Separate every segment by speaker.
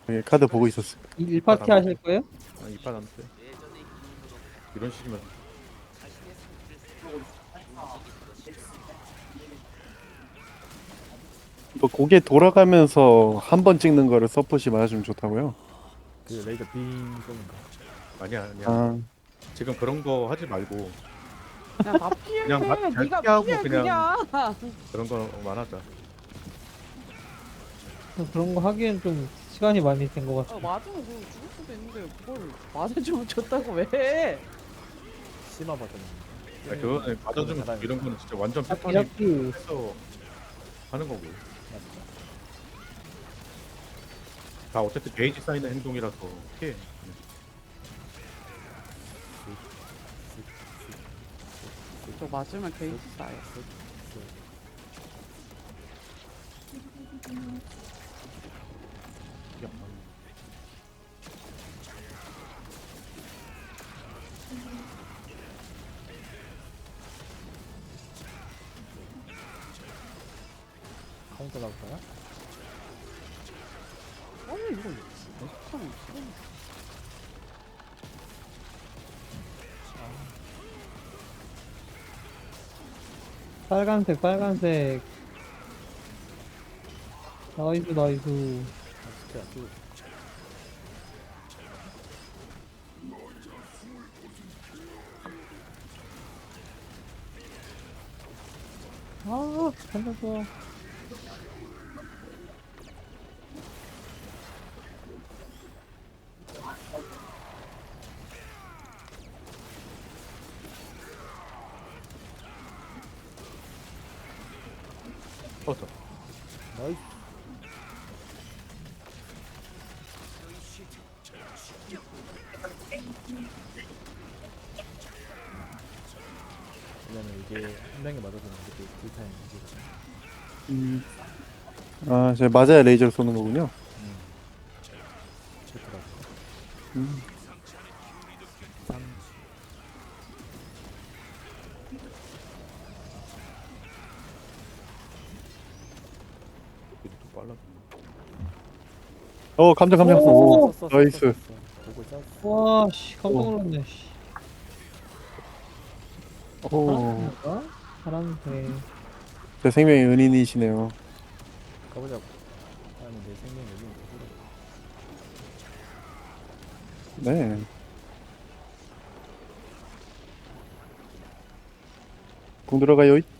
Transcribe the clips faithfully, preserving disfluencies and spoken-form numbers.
Speaker 1: 예, 카드 보고 있었어요.
Speaker 2: 일 파티 하실 거예요?
Speaker 3: 아, 이판 안 돼. 이런 식이면
Speaker 1: 뭐 고개 돌아가면서 한 번 찍는 거를 서폿이 맞아주면 좋다고요?
Speaker 4: 그 레이더 빙 쏘는가?
Speaker 3: 아니야 아니야.
Speaker 1: 아,
Speaker 3: 지금 그런 거 하지 말고
Speaker 5: 그냥 다 피해.
Speaker 3: 그냥 막 잘
Speaker 5: 네가
Speaker 3: 피하고
Speaker 5: 피해
Speaker 3: 그냥-
Speaker 5: 그냥.
Speaker 3: 그런 거만 하자.
Speaker 2: 그런 거 하기엔 좀 시간이 많이 된 것 같아요.
Speaker 5: 아, 맞으면 그냥 죽을 수도 있는데 그걸 맞아주면 졌다고 왜 해?
Speaker 4: 심화 버튼.
Speaker 3: 아니, 그거는 맞아주면
Speaker 4: 사람이
Speaker 3: 이런 거는 진짜 완전
Speaker 2: 잡기
Speaker 3: 패턴이
Speaker 2: 잡기.
Speaker 3: 해서 하는 거고. 다 어쨌든 게이지 쌓이는 행동이라서 피해.
Speaker 5: 저 맞으면 게이지 쌓여.
Speaker 4: 카운터 나올까요?
Speaker 5: 아니 이거 어떡하면 싫어.
Speaker 2: 빨간색 빨간색. 나이스 나이스.
Speaker 4: 아, 스킬 안 쓰고.
Speaker 2: 아 살려줘.
Speaker 3: 퍼져.
Speaker 4: 나이스. 왜냐면 이게 한 명이 맞아주는 게 딜타임 문제가.
Speaker 1: 음. 아, 제가 맞아야 레이저를 쏘는 거군요.
Speaker 4: 음. 좋더라고.
Speaker 1: 음.
Speaker 4: 삼.
Speaker 3: 이게 또 빨라.
Speaker 1: 어, 감정 감정.
Speaker 2: 오!
Speaker 1: 오, 나이스.
Speaker 4: 보고 짰어.
Speaker 2: 와씨 깜짝 놀랐네. 씨.
Speaker 1: 오,
Speaker 2: 파란색인가? 파란색.
Speaker 1: 제 생명의 은인이시네요.
Speaker 4: 가보자고. 아니 내 생명 여기 있는
Speaker 1: 네. 공 들어가요.
Speaker 4: 예스.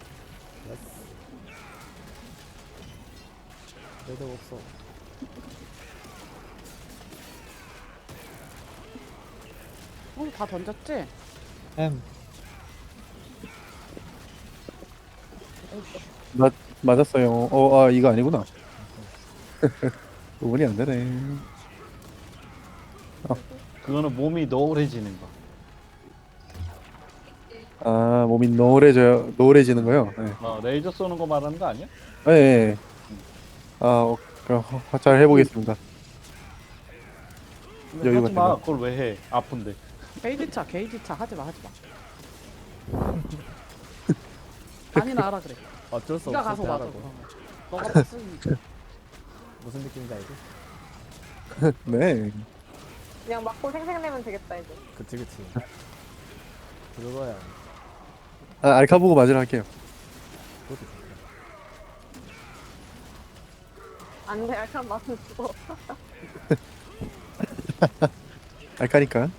Speaker 4: 레이더 없어.
Speaker 5: 우리 다 던졌지?
Speaker 2: M.
Speaker 1: 맞 맞았어요. 어, 아 이거 아니구나. 구분이 안 되네.
Speaker 6: 그거는 몸이 노을해지는 거.
Speaker 1: 아, 몸이 노래져 노래지는 거요. 네.
Speaker 6: 어, 레이저 쏘는 거 말하는 거 아니야?
Speaker 1: 네. 네. 아, 어, 그럼 화- 잘 해보겠습니다.
Speaker 6: 근데
Speaker 1: 여유
Speaker 6: 하지 마.
Speaker 1: 같은
Speaker 6: 그걸 왜 해? 아픈데.
Speaker 5: 게이지 차 게이지 차 하지 마 하지 마. 아니나 하라 그래.
Speaker 4: 어쩔 수
Speaker 5: 네가
Speaker 4: 없을
Speaker 5: 가서
Speaker 4: 때
Speaker 5: 맞아.
Speaker 4: 하라고.
Speaker 5: 그러면. 너가 봤으니까.
Speaker 4: 무슨 느낌인지 알지?
Speaker 1: 네.
Speaker 7: 그냥 맞고 생생내면 되겠다 이제.
Speaker 4: 그치 그치. 그거야.
Speaker 1: 아, 알카 보고 맞으러 할게요.
Speaker 4: 그것도 좋다.
Speaker 7: 안돼 알칸 맞으면 죽어.
Speaker 1: 알카니까.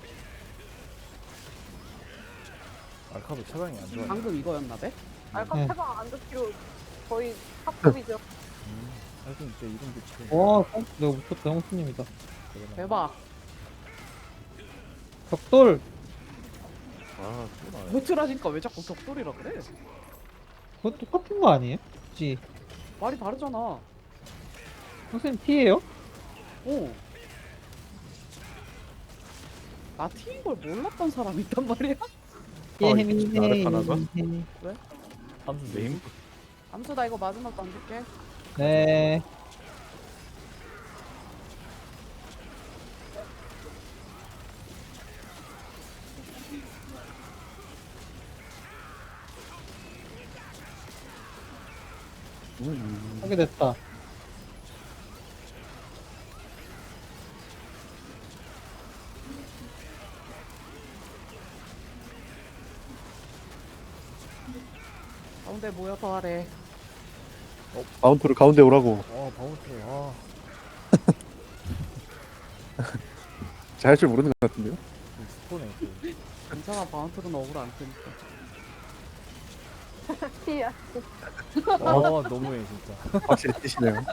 Speaker 4: 알카도 체감이 안 좋아.
Speaker 5: 방금 이거였나 봐?
Speaker 7: 알칸
Speaker 2: 네.
Speaker 7: 태방 안 좋기로 거의 탑급이죠.
Speaker 4: 음. 알카 진짜 이름 좋지.
Speaker 2: 와 깜- 내가 못쳤다 형수님이다.
Speaker 5: 대박.
Speaker 2: 벽돌.
Speaker 3: 아, 또 나야.
Speaker 5: 배틀하니까 왜 자꾸 격돌이라 그래?
Speaker 2: 그거 똑같은 거 아니에요? 그치?
Speaker 5: 말이 다르잖아.
Speaker 2: 형수님 T예요?
Speaker 5: 어. 나 T인 걸 몰랐던 사람이 있단 말이야?
Speaker 2: 예,
Speaker 3: 아,
Speaker 2: 헤미
Speaker 3: 이거 나를 하나가?
Speaker 4: 함수
Speaker 3: 네임
Speaker 5: 암수 나 이거 마지막 던질게.
Speaker 2: 네. 하게 됐다.
Speaker 5: 가운데 모여 더 아래.
Speaker 1: 마운트를 가운데 오라고.
Speaker 4: 아 바운스. 아
Speaker 1: 잘 할 줄 모르는 것 같은데요?
Speaker 4: 그 스포네. 그.
Speaker 5: 괜찮아 바운트는 억울 안 뜨니까.
Speaker 7: 티야.
Speaker 4: 아 너무해 진짜.
Speaker 1: 확실히 뛰시네요.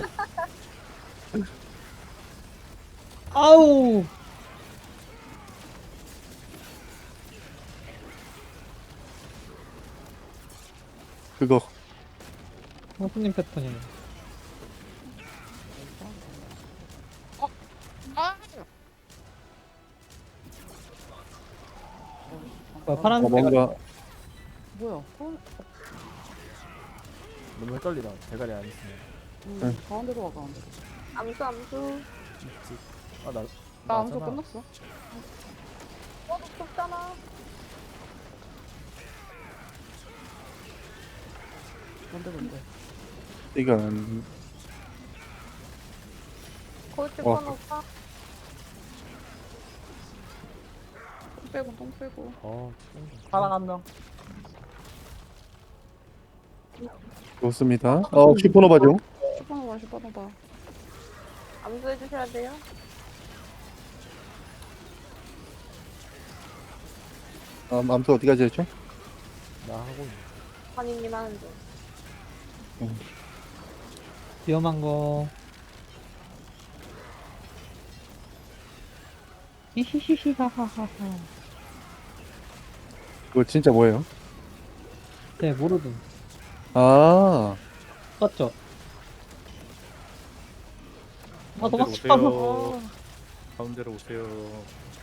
Speaker 2: 아우.
Speaker 1: 그거
Speaker 2: 형수님 패턴이네. 뭐야,
Speaker 1: 어,
Speaker 2: 파란색
Speaker 1: 뭔가
Speaker 5: 뭐야? 가운-
Speaker 4: 너무 헷갈리다. 대가리 안 있으면.
Speaker 5: 음, 가운데로 와 가운데로.
Speaker 7: 암수 암수.
Speaker 4: 아나
Speaker 5: 나 암수 끝났어.
Speaker 7: 어 높잖아.
Speaker 5: 뭔데 뭔데?
Speaker 1: 이건
Speaker 7: 골치
Speaker 1: 어.
Speaker 7: 번 오빠.
Speaker 5: 똥 빼고 똥 빼고.
Speaker 4: 아
Speaker 6: 사랑 한 명.
Speaker 1: 좋습니다. 어 슈퍼노바죠.
Speaker 5: 슈퍼노바 슈퍼노바.
Speaker 7: 암수 해주셔야 돼요.
Speaker 1: 아, 암수 어디까지 했죠?
Speaker 4: 나 하고 있네.
Speaker 7: 환희님 하는 중.
Speaker 2: 위험한 거. 히히히히하하하.
Speaker 1: 그거 진짜 뭐예요?
Speaker 2: 네, 모르든.
Speaker 1: 아
Speaker 2: 맞죠? 아,
Speaker 3: 가운데로
Speaker 2: 도망쳐.
Speaker 3: 오세요. 가운데로 오세요.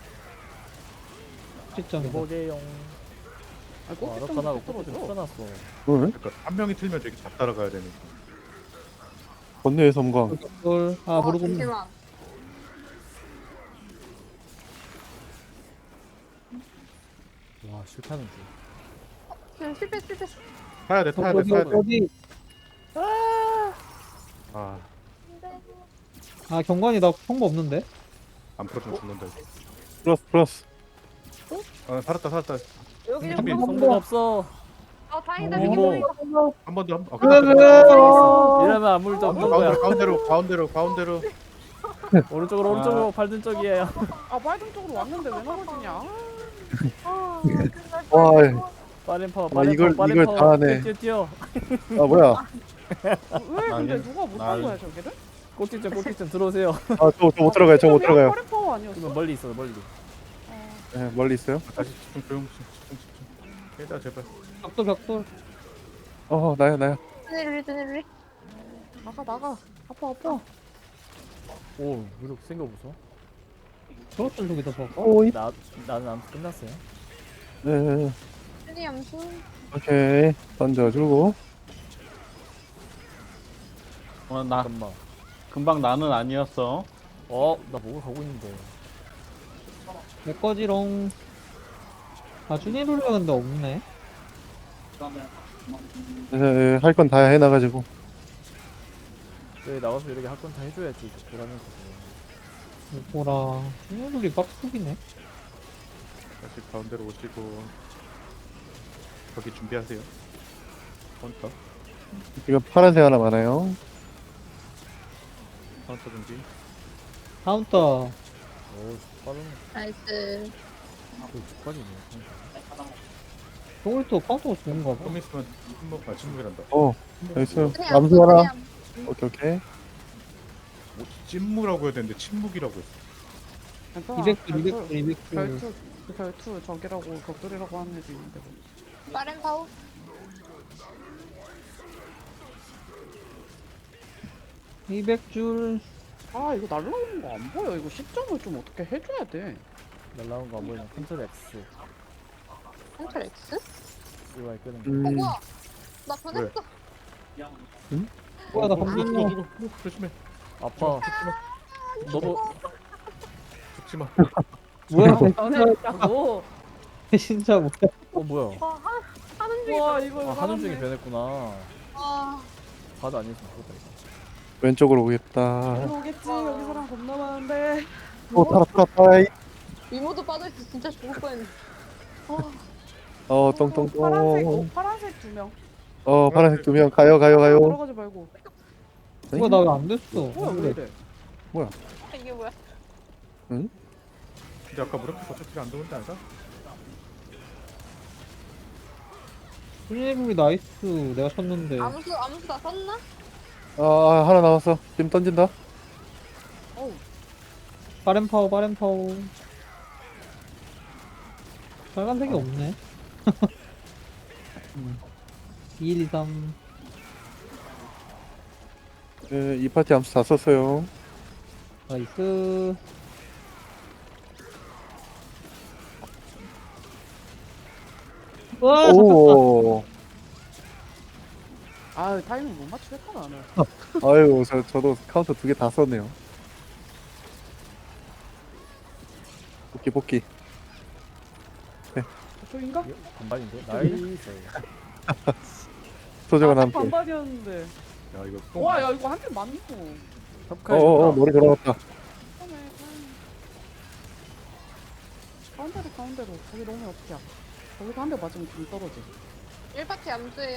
Speaker 2: 시점이다.
Speaker 4: 보게용.
Speaker 5: 아
Speaker 4: 아
Speaker 5: 꼭지
Speaker 4: 아라카나가
Speaker 5: 좀
Speaker 4: 꼬리 좀
Speaker 5: 떨어져.
Speaker 4: 풀어놨어.
Speaker 1: 응?
Speaker 3: 그러니까 한 명이 틀면 저기 다 따라가야 되니까.
Speaker 1: 번뇌의 섬광.
Speaker 2: 돌. 아,
Speaker 7: 어,
Speaker 2: 모르고.
Speaker 7: 잠시만.
Speaker 4: 와 실패하는 줄.
Speaker 7: 지금 실패 실패.
Speaker 3: 타야 돼, 타야 돼,
Speaker 2: 어디,
Speaker 3: 타야 돼.
Speaker 2: 어디?
Speaker 3: 아,
Speaker 2: 아, 경관이 나 통보 없는데?
Speaker 3: 안 풀어주면 죽는다. 이거.
Speaker 1: 플러스 플러스.
Speaker 3: 아, 살았다, 살았다.
Speaker 7: 여기 좀
Speaker 3: 준비.
Speaker 7: 좀.
Speaker 4: 성공 없어.
Speaker 7: 아 다행이다.
Speaker 2: 어.
Speaker 7: 여기
Speaker 4: 오.
Speaker 7: 좀.
Speaker 3: 한 번 더, 한 번. 아,
Speaker 2: 그래,
Speaker 3: 끝났다,
Speaker 2: 그래.
Speaker 3: 끝났다.
Speaker 4: 이러면 아무 일도 없는 거야.
Speaker 3: 가운데로, 가운데로, 가운데로, 가운데로.
Speaker 4: 오른쪽으로 오른쪽으로 발등 쪽이에요.
Speaker 5: 아 빨간 쪽으로 왔는데 왜 넘어지냐?
Speaker 7: 아,
Speaker 1: 와,
Speaker 4: 빠른 파워
Speaker 1: 아,
Speaker 4: 빠른
Speaker 1: 이걸-
Speaker 4: 파워 빠른
Speaker 1: 이걸
Speaker 4: 파워.
Speaker 1: 다 하네.
Speaker 4: 뛰어 뛰어.
Speaker 1: 아 뭐야?
Speaker 5: 왜 근데
Speaker 6: 나는-
Speaker 5: 누가 못한
Speaker 6: 나는-
Speaker 5: 거야 저기를?
Speaker 4: 꼭지점 꼭지점 들어오세요.
Speaker 1: 아저 저 못 들어가요. 저 못 들어가요.
Speaker 5: 허리 파워 아니었어?
Speaker 4: 그러면 멀리 있어 멀리.
Speaker 5: 어,
Speaker 1: 네, 멀리 있어요.
Speaker 3: 다시 집중, 조용, 집중, 집중. 깨자, 제발.
Speaker 2: 벽돌, 벽돌.
Speaker 1: 어 나야 나야.
Speaker 7: 쭈니루리 쭈니루리.
Speaker 5: 나가 나가. 아파 아파.
Speaker 4: 오 이렇게 생겨보소.
Speaker 2: 저것 좀 저기다 봐.
Speaker 1: 오이.
Speaker 4: 나 나는 아무튼 끝났어요.
Speaker 1: 네.
Speaker 7: 쭈니 암수.
Speaker 1: 오케이. 던져주고.
Speaker 6: 어, 나
Speaker 4: 잠깐만.
Speaker 6: 금방 나는 아니었어.
Speaker 4: 어나 목을 가고 있는데.
Speaker 2: 내 거지롱. 아, 주니룰레 근데 없네.
Speaker 1: 네, 할 건 다 해놔가지고.
Speaker 4: 왜 나가서 이렇게 할 건 다 해줘야지. 그러면
Speaker 2: 뭐라. 주니룰이 빡속이네.
Speaker 3: 다시 가운데로 오시고. 거기 준비하세요. 카운터,
Speaker 1: 지금 파란색 하나 많아요.
Speaker 3: 카운터 준비.
Speaker 2: 카운터.
Speaker 4: 오 빠른.
Speaker 7: 나이스.
Speaker 4: 그 죽빠지네.
Speaker 2: 저걸또 카운터가 좋은가 봐.
Speaker 3: 좀 있으면 침묵, 아, 침묵이란다.
Speaker 1: 어, 나이스.
Speaker 7: 쭈니
Speaker 1: 암수 하나.
Speaker 7: 쭈니 암수.
Speaker 1: 오케이 오케이.
Speaker 3: 뭐, 찐무라고 해야 되는데 침묵이라고 했어.
Speaker 5: 괜찮아.
Speaker 2: 이백 줄,
Speaker 5: 별투,
Speaker 2: 이백 줄, 이백 줄.
Speaker 5: 별투 그 별투 저기라고 격돌이라고 하는 애도 있는데 뭐.
Speaker 7: 빠른 파워.
Speaker 2: 이백 줄.
Speaker 5: 아 이거 날라오는 거 안 보여. 이거 시점을 좀 어떻게 해줘야 돼.
Speaker 4: 날라온 거 안 보이면 컨트롤 X.
Speaker 7: 컨트롤 X?
Speaker 4: 이거 끄는 거.
Speaker 7: 어
Speaker 1: 음.
Speaker 7: 뭐야? 나 변했어.
Speaker 2: 뭐야, 나
Speaker 3: 어,
Speaker 2: 방금
Speaker 3: 누구, 누구, 누구, 조심해.
Speaker 4: 아파. 너도
Speaker 3: 죽지 마.
Speaker 2: 뭐야,
Speaker 5: 변했다고.
Speaker 2: 진짜 뭐야.
Speaker 4: 어 뭐야?
Speaker 7: 와 하, 하는 중이다.
Speaker 5: 와 이거
Speaker 4: 아 하는 중에 변했구나.
Speaker 7: 와.
Speaker 4: 바도 아니었으면 좋겠다 이거.
Speaker 1: 왼쪽으로 오겠다.
Speaker 5: 일로 오겠지. 여기 사람 겁나 많은데.
Speaker 1: 오 타라 타라 타라.
Speaker 7: 이모도 빠져있어. 진짜 죽을 뻔했네. 어,
Speaker 1: 어
Speaker 5: 파란색, 어,
Speaker 1: 똥똥똥.
Speaker 5: 파란색 두 명.
Speaker 1: 어 파란색 두 명 가요 가요 가요.
Speaker 5: 들어가지 말고.
Speaker 2: 이거 나 왜 안 됐어?
Speaker 5: 뭐야 왜 이래?
Speaker 7: 이게 뭐야?
Speaker 3: 근데 아까 무력해서 어차피 안 들어온지 알까?
Speaker 2: 훈일부리 나이스. 내가 쳤는데.
Speaker 7: 암수 암수 다 썼나?
Speaker 1: 아, 아 하나 남았어. 지금 던진다.
Speaker 5: 어우
Speaker 2: 빠른 파워, 빠른 파워. 빨간색이 없네. 이, 일, 이, 삼.
Speaker 1: 네, 이 파티 암수 다 썼어요.
Speaker 2: 나이스. 와, 잡혔다.
Speaker 1: 오.
Speaker 5: 아 타이밍 못 맞추겠다 나는.
Speaker 1: 아유 저 저도 카운터 두 개 다 썼네요. 복귀 복귀.
Speaker 5: 저인가?
Speaker 4: 반반인데? 나이스.
Speaker 1: 소정은
Speaker 5: 아,
Speaker 1: 함께.
Speaker 5: 반반이었는데.
Speaker 3: 야 이거 또
Speaker 5: 와 야 이거 한 대 맞노.
Speaker 1: 어어어 머리 돌아갔다.
Speaker 5: 가운데로 가운데로. 거기 너무 어떻게? 거기서 한 대 맞으면 좀 떨어져.
Speaker 7: 일 파티 암수예요.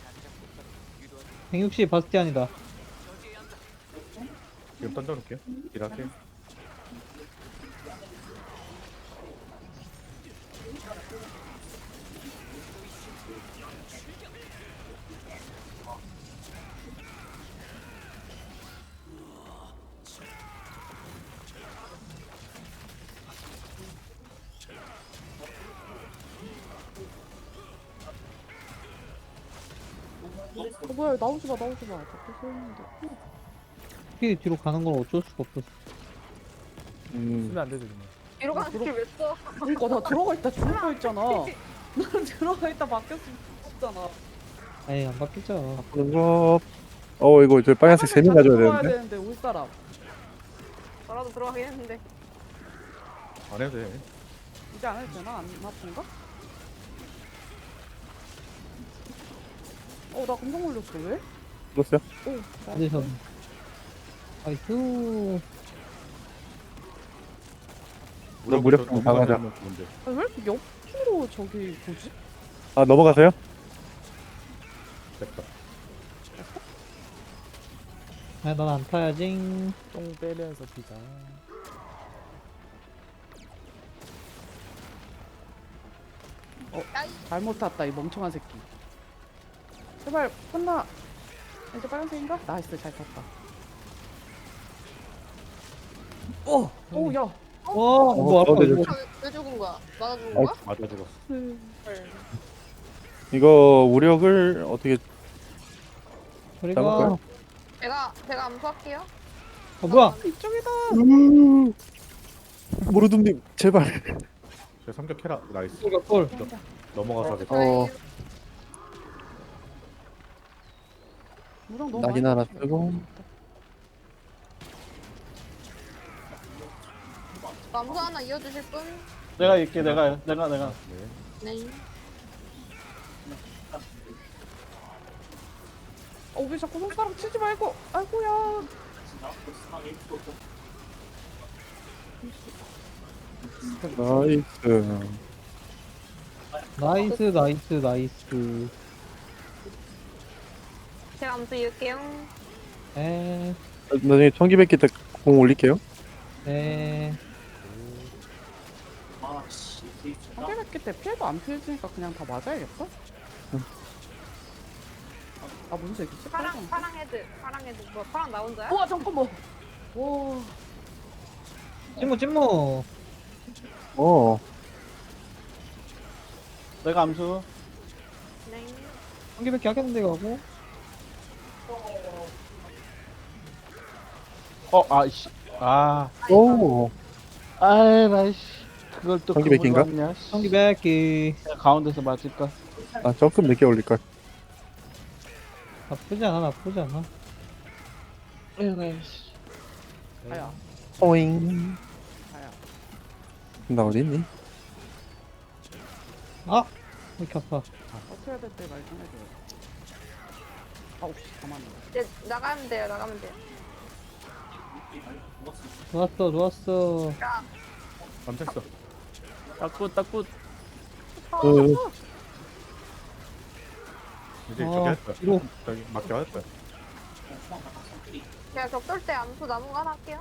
Speaker 2: 백육십 바스티안이다.
Speaker 3: 지금 던져놓을게요. 일할게요.
Speaker 5: 어 뭐야 나오지 마 나오지 마. 잡혀서 있는데.
Speaker 2: 스피드 뒤로 가는 건 어쩔 수가 없었어.
Speaker 1: 음.
Speaker 4: 쓰면 안 되지 그냥.
Speaker 7: 이러 가는 길왜 써?
Speaker 5: 그러니까 나 들어가 있다 죽을 뻔했잖아. 난 들어가 있다 막혔으면 죽었잖아.
Speaker 2: 에이, 안 바뀌죠.
Speaker 1: 그거. 어 이거 저 빨간색 세 명 가져야
Speaker 5: 들어가야
Speaker 1: 되는데.
Speaker 5: 되는데 올 사람.
Speaker 7: 저라도 들어가긴 했는데.
Speaker 3: 안 해도 돼.
Speaker 5: 이제 안 해도 되나? 안 아픈가? 어 나 감정 걸렸어 왜?
Speaker 1: 들었어요?
Speaker 5: 오
Speaker 2: 컨디션. 나이스.
Speaker 1: 나 무력 좀 강하자.
Speaker 3: 뭔데?
Speaker 5: 아, 왜 이렇게 옆으로 저기 뭐지?
Speaker 1: 아 넘어가세요?
Speaker 3: 됐다.
Speaker 2: 아, 난 안 타야지.
Speaker 4: 똥 빼면서 피자.
Speaker 7: 야이
Speaker 5: 잘못 탔다 이 멍청한 새끼. 제발 끝나. 이제 빨간색인가? 나이스 잘 탔다. 오! 오 야!
Speaker 2: 와, 이거 아까
Speaker 1: 어, 네,
Speaker 2: 이거.
Speaker 7: 아, 왜, 왜 죽은 거야? 맞아 죽은
Speaker 1: 어.
Speaker 7: 거야?
Speaker 3: 맞아 죽었어.
Speaker 7: 헐.
Speaker 1: 이거 우력을 어떻게
Speaker 2: 저리가.
Speaker 1: 잡을까요?
Speaker 7: 제가 제가 암수할게요.
Speaker 2: 아, 뭐야?
Speaker 5: 이쪽이다!
Speaker 1: 모르둠님 제발.
Speaker 3: 저 삼격해라. 나이스.
Speaker 2: 이거 꼴.
Speaker 3: 넘어가서 하겠다.
Speaker 1: 어
Speaker 5: 무랑 너무
Speaker 1: 낙인
Speaker 5: 많이
Speaker 1: 하나
Speaker 5: 맞추네.
Speaker 1: 쓰고.
Speaker 7: 암수 하나 이어주실 분?
Speaker 6: 내가 있게 내가 내가 내가.
Speaker 3: 네.
Speaker 7: 네.
Speaker 5: 어, 왜 자꾸 손가락 치지 말고! 아이고야!
Speaker 1: 나이스.
Speaker 2: 나이스, 나이스, 나이스.
Speaker 7: 제가 암수 이을게요.
Speaker 2: 에,
Speaker 1: 나중에 청기백기 때 공 올릴게요.
Speaker 2: 에.
Speaker 5: 한개백기 때 피해도 안 피해지니까 그냥 다 맞아야겠어? 아, 뭔 얘기지?
Speaker 7: 파랑 파랑 헤드 파랑 헤드 뭐 파랑 나 혼자야?
Speaker 5: 우와, 잠깐만! 와,
Speaker 2: 찐무, 찐무.
Speaker 1: 어.
Speaker 6: 내가 암수.
Speaker 7: 네.
Speaker 2: 한 개밖에 하겠는데, 가고.
Speaker 6: 어 아이씨. 아.
Speaker 1: 오.
Speaker 6: 아이 나이씨. 그걸 또
Speaker 1: 전기 백기인가?
Speaker 6: 그걸로 왔냐, 씨.
Speaker 2: 한 개밖에.
Speaker 6: 내가 가운데서 맞을까?
Speaker 1: 아 조금 늦게 올릴걸.
Speaker 2: 나쁘지 않아, 나쁘지 않아.
Speaker 6: 에이씨.
Speaker 5: 아야,
Speaker 1: 오잉.
Speaker 5: 아야.
Speaker 1: 나 어딨니?
Speaker 2: 아! 왜 이렇게 아파.
Speaker 5: 어떻게 해야 될 때 말 좀 해줘요. 아우, 씨, 가만히.
Speaker 7: 이제 나가면 돼요. 나가면 돼요.
Speaker 2: 좋았어, 좋았어.
Speaker 3: 감췄어.
Speaker 4: 딱굿 딱굿.
Speaker 1: 그
Speaker 3: 이제
Speaker 2: 아,
Speaker 3: 저기 할 거야.
Speaker 2: 뒤로.
Speaker 3: 저기 맞게 할 거야.
Speaker 7: 제가 격돌 때 암수 남은 거 하나 할게요.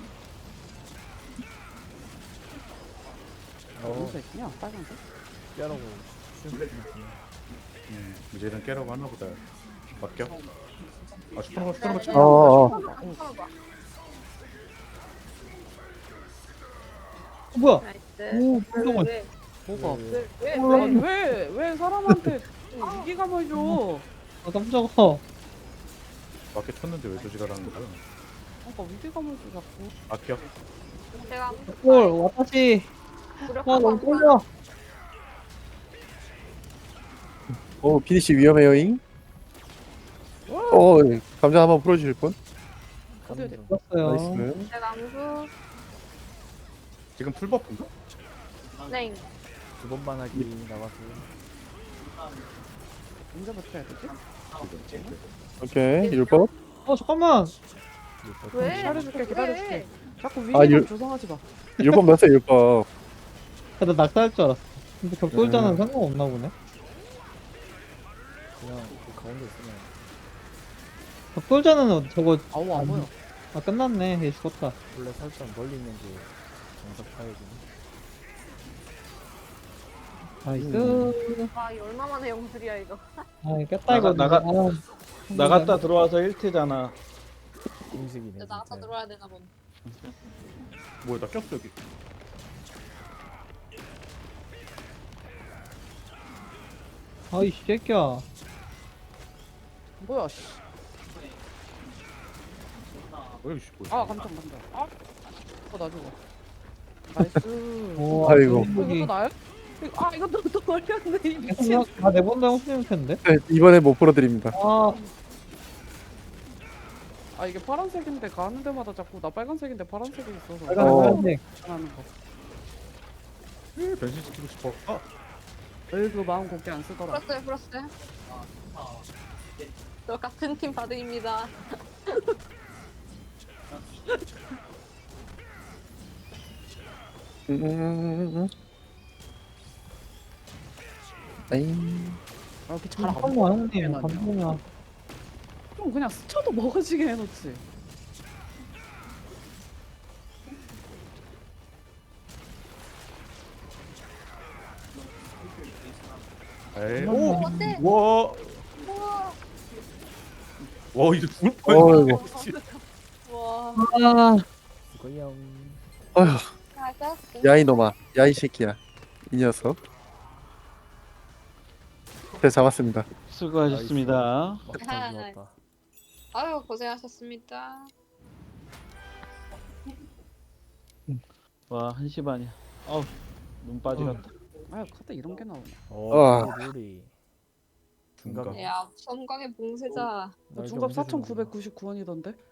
Speaker 4: 어
Speaker 5: 무슨 있냐? 빨간색?
Speaker 4: 깨라고 슈퍼
Speaker 3: 음, 이제는 깨라고 하나 보다. 맡겨. 아 슈퍼노바 슈퍼노바 쳐.
Speaker 1: 어, 어.
Speaker 7: 잠깐만.
Speaker 2: 어, 뭐야?
Speaker 7: 나이스.
Speaker 2: 오,
Speaker 7: 왜,
Speaker 2: 깜짝아.
Speaker 7: 왜,
Speaker 5: 뭐가?
Speaker 7: 왜, 왜,
Speaker 2: 어.
Speaker 5: 아니
Speaker 7: 왜?
Speaker 5: 왜, 왜 사람한테 위기감을 줘?
Speaker 2: 아, 깜짝아.
Speaker 3: 맡겨 쳤는데 왜 조지가라는 거야?
Speaker 5: 뭔가 위기감을 줘 자꾸.
Speaker 3: 맡겨.
Speaker 7: 제가 암수
Speaker 2: 헐, 와타시. 아,
Speaker 7: 무력하고
Speaker 2: 너무
Speaker 7: 암수
Speaker 2: 떨려.
Speaker 1: 오, 피니시 위험해요잉. 어, 감자 한번 풀어주실 분?
Speaker 5: 어디 어디?
Speaker 2: 죽었어요.
Speaker 1: 나이스.
Speaker 7: 제가 암수
Speaker 3: 지금 풀버프인가?
Speaker 7: 네.
Speaker 4: 두 번만 하기 나가서
Speaker 5: 언제 버텨야 되지?
Speaker 1: 오케이, 율법.
Speaker 2: 어, 잠깐만.
Speaker 7: 왜?
Speaker 5: 기다려줄게 기다려줄게.
Speaker 7: 왜?
Speaker 5: 자꾸
Speaker 1: 아,
Speaker 5: 위기감
Speaker 1: 유-
Speaker 5: 조성하지 마.
Speaker 1: 율법 넣었어요, 율법.
Speaker 2: 아, 나 낙사할 줄 알았어. 근데 격돌자는
Speaker 1: 음.
Speaker 2: 상관없나 보네.
Speaker 4: 그냥 그 가운데 있으면
Speaker 2: 격돌자는 저거,
Speaker 5: 아우 안 보여.
Speaker 2: 아, 끝났네. 얘 죽었다.
Speaker 4: 원래 살짝 멀리 있는 게 정석 파이거든.
Speaker 2: 나이스.
Speaker 7: 아, 이 얼마만에 영술이야 이거.
Speaker 2: 아, 깼다, 이거.
Speaker 6: 나가-
Speaker 2: 아,
Speaker 6: 나갔다 들어와서 일 트잖아.
Speaker 4: 음식이네.
Speaker 7: 이제 나갔다
Speaker 4: 진짜.
Speaker 7: 들어와야 되나 본.
Speaker 3: 뭐야 나 꼈어 여기.
Speaker 2: 아이, 새끼야.
Speaker 5: 뭐야 씨.
Speaker 3: 뭐야 이씨 뭐야.
Speaker 5: 아 깜짝 깜짝. 아. 어나 죽어. 나이스.
Speaker 2: 오,
Speaker 1: 아이고.
Speaker 5: 어, 이것도 나요? 이거- 아 이것도 또 걸렸네 이 미친.
Speaker 2: 아, 네번 당신일 텐데.
Speaker 1: 네, 이번에 못 풀어드립니다.
Speaker 2: 아,
Speaker 5: 아 이게 파란색인데 가는 데마다 자꾸 나 빨간색인데 파란색이 있어서
Speaker 2: 빨간
Speaker 1: 어.
Speaker 2: 빨간색.
Speaker 5: 하는 거.
Speaker 3: 에, 변신시키고 싶어. 아
Speaker 5: 으그 마음 곱게 안 쓰더라.
Speaker 7: 풀었어요, 풀었어요. 저 같은 팀 바드입니다.
Speaker 1: 음, 음, 음, 음. 아잉.
Speaker 5: 아 이렇게 잘안
Speaker 2: 잠깐만,
Speaker 5: 먹어.
Speaker 2: 형님. 감동이야.
Speaker 5: 좀 그냥 스쳐도 먹어지게 해놓지.
Speaker 3: 에이.
Speaker 2: 오,
Speaker 3: 오.
Speaker 7: 어때?
Speaker 3: 와.
Speaker 7: 우와.
Speaker 3: 와 이제 죽을
Speaker 1: 어이구.
Speaker 3: 뻔했어.
Speaker 7: 와.
Speaker 2: 아,
Speaker 4: 이거요.
Speaker 1: 어휴,
Speaker 7: 맞아.
Speaker 1: 야이 놈아. 야이 새끼야. 이 녀석. 네, 잡았습니다.
Speaker 6: 수고하셨습니다.
Speaker 4: 막상 좋았다.
Speaker 7: 아유, 고생하셨습니다.
Speaker 6: 와, 한 시 반이야. 어우, 눈 빠지겠다.
Speaker 5: 아 카드 이런 게 나오네.
Speaker 4: 어,
Speaker 1: 아.
Speaker 4: 룰이.
Speaker 3: 중간.
Speaker 7: 야, 섬광의 봉쇄자.
Speaker 5: 중갑 사천구백구십구 원이던데?